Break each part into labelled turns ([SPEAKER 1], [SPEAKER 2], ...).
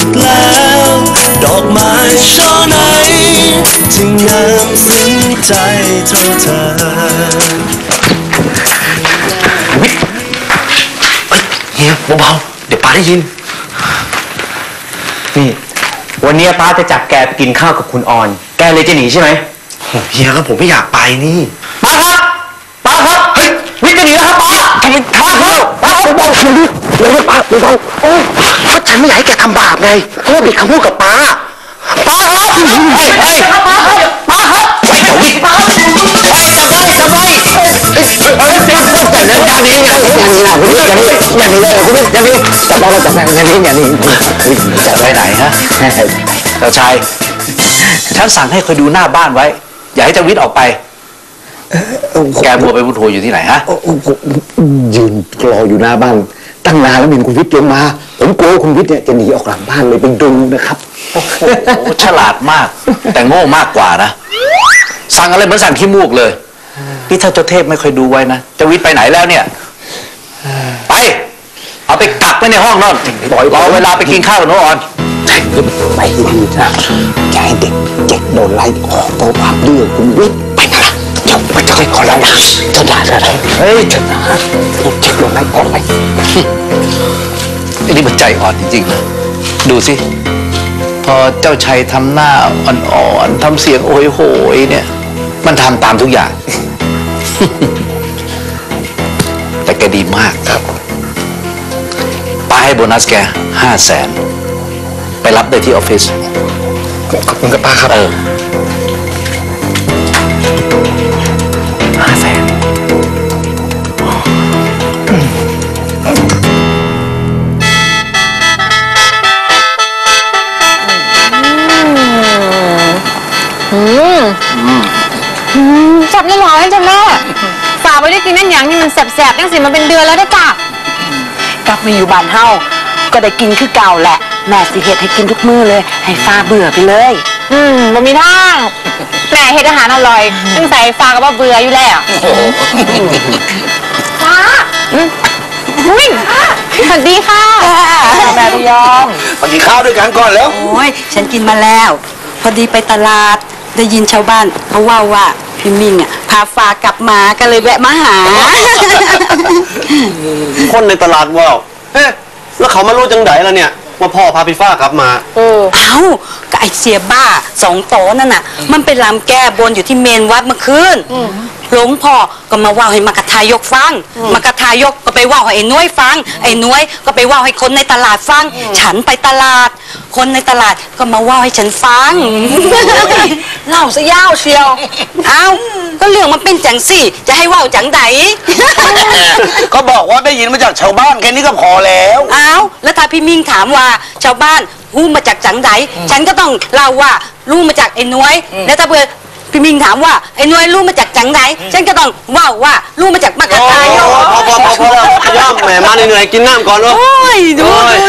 [SPEAKER 1] กแล้วดอกไม้ช่อไหนที่งามซึ้งใจเท่าเธอ
[SPEAKER 2] เฮียเบาๆเดี๋ยวป้าได้ยินนี่วันนี้ป้าจะจับแกไปกินข้าวกับคุณออนแกเลยจะหนีใช่ไหมเฮียครับผมไม่อยากไปนี่ป้าครับป้าครับเฮ้ยวิทย์จะหนีแล้วครับป้าทำไมป้าครับป้าเบาๆชีวิตเดี๋ยวป้าเบาๆโอ้เพราะฉันไม่อยากให้แกทำบาปไงเพราะว่าผิดคำพูดกับป้าป้าครับเฮ้ยป้าครับป้าครับไปเดี๋ยววิทย์ป้าไปจับไว้จับไว้แต่เรื่องการนี้อย่างนี้นะคุณอย่างนี้อย่างนี้เลยคุณอย่างนี้จับเราจับอย่างนี้อย่างนี้จะไปไหนฮะเจ้าชายฉันสั่งให้คอยดูหน้าบ้านไว้อย่าให้เจ้าวิทย์ออกไปแกบัวไปบุญโถอยู่ที่ไหนฮะยืนรออยู่หน้าบ้านตั้งนานแล้วมีคุณวิทย์ลงมาผมกลัวคุณวิทย์เนี่ยจะหนีออกหลังบ้านเลยไปดูนะครับโอ้โหฉลาดมากแต่โง่มากกว่านะสั่งอะไรเหมือนสั่งขี้มูกเลยพี่ถ้าเจ้าเทพไม่ค่อยดูไว้นะเจ้าวิทย์ไปไหนแล้วเนี่ยไปเอาไปกักไว้ในห้องนอนรอเวลาไปกินข้าวกับน้องออนไปดีนะอย่าให้เด็กโดนไล่ออกเพราะความดื้อคุณวิทย์ไปนะจับไปจะให้ขอแล้วนะจะด่าอะไรเฮ้ยจะด่าเด็กโดนไล่ออกไปอันนี้มันใจอ่อนจริงๆนะดูสิพอเจ้าชัยทำหน้าอ่อนๆทำเสียงโอยโหยเนี่ยมันทำตามทุกอย่างแต่แกดีมากครับป้าให้โบนัสแก500,000ไปรับได้ที่ออฟฟิศขอบคุณครับป้าครับ500,000
[SPEAKER 3] จับได้หรอจ้ะแม่ฝากไว้ได้กินนั่นอย่างนี่มันแสบๆตั้งสิมันเป็นเดือนแล้วได้จ้ะกลับมาอยู่บ้านเฮาก็ได้กินคือเก่าแหละแม่สิเฮ็ดให้กินทุกมื้อเลยให้ฟ้าเบื่อไปเลยบ่มีทางแม่เฮ็ดอาหารอร่อยตั้งแต่ฟ้าก็บ่เบื่ออยู่แล้วฟ้าวิ่งสวัสดีค่ะแม่พยอม
[SPEAKER 2] สวัสดีข้าวด้วยกันก่อนแล้ว
[SPEAKER 4] โอ้ยฉันกินมาแล้วพอดีไปตลาดได้ยินชาวบ้านเขาว่าพี่มิ่งพาฟ้ากลับมาก็เลยแวะมาหา
[SPEAKER 2] คนในตลาดว่าเฮ้แล้วเขามารู้จังไดล่ะเนี่ยว่าพ่อพาพี่ฟ้ากลับมา
[SPEAKER 4] เอ้าก็ไอเสียบ้า2 โตนั่นน่ะมันไปรำแก้บนอยู่ที่เมนวัดเมื่อคืนหลวงพ่อก็มาว่าให้มากระทายกฟังมากระทายกก็ไปว่าให้ไอ้น้อยฟังไอ้น้อยก็ไปว่าให้คนในตลาดฟังฉันไปตลาดคนในตลาดก็มาว่าให้ฉันฟัง
[SPEAKER 3] เล่าซะยาวเชียว
[SPEAKER 4] เอ้าก็เรื่องมันเป็นจังสิจะให้ว่าจังได
[SPEAKER 2] ก็บอกว่าได้ยินมาจากชาวบ้านแค่นี้ก็พอแล้ว
[SPEAKER 4] เอ้าแล้วถ้าพี่มิ่งถามว่าชาวบ้านรู้มาจากจังไดฉันก็ต้องเล่าว่ารู้มาจากไอ้น้อยแล้วถ้าเพื่อพี่มิงถามว่าไอ้น้อยรู้มาจากจังไหนฉันก็ต้องว่ารู้มาจากมะกะทาย
[SPEAKER 2] พอย่ำแหมมาเหนื่อยกินน้ำก่อนวะ
[SPEAKER 4] โอ้ยดู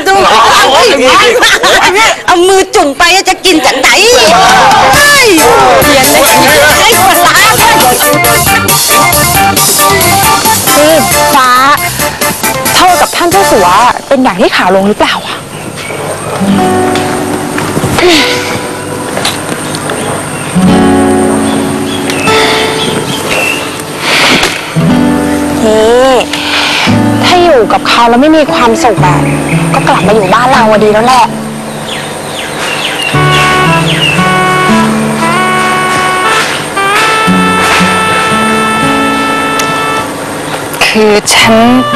[SPEAKER 4] เอามือจุ่มไปจะกินจังไหนเฮ้ยเรียนเลยไอ้คนร้าย
[SPEAKER 3] ฟ้าเท่ากับท่านเจ้าสัวเป็นอย่างที่ข่าวลงหรือเปล่าอ่ะถ้าอยู่กับเขาแล้วไม่มีความสุขแบบก็กลับมาอยู่บ้านเราดีแล้วแหละคือฉัน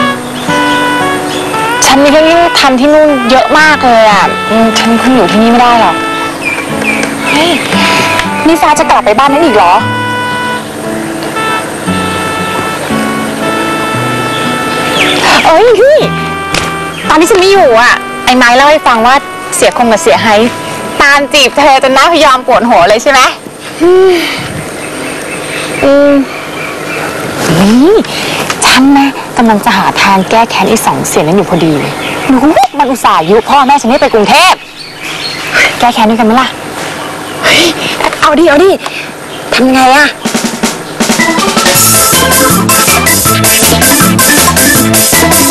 [SPEAKER 3] มีเรื่องที่ทำที่นู่นเยอะมากเลยอ่ะฉันคงอยู่ที่นี่ไม่ได้หรอกเฮ้ยนี่ฟ้าจะกลับไปบ้านนั้นอีกเหรอเอ้ยพี่ตอนที่ฉันไม่อยู่อ่ะไอ้ไม้เล่าให้ฟังว่าเสียคงกับเสียไฮตามจีบเธอจนหน้าพยอมปวดหัวเลยใช่ไหมนี่ฉันนะกำลังจะหาทางแก้แค้น2 เสียนั้นอยู่พอดีเลยมันอุตส่าห์ยุพ่อแม่ฉันให้ไปกรุงเทพแก้แค้นด้วยกันไหมล่ะเอาดิทำไงอ่ะ
[SPEAKER 1] เ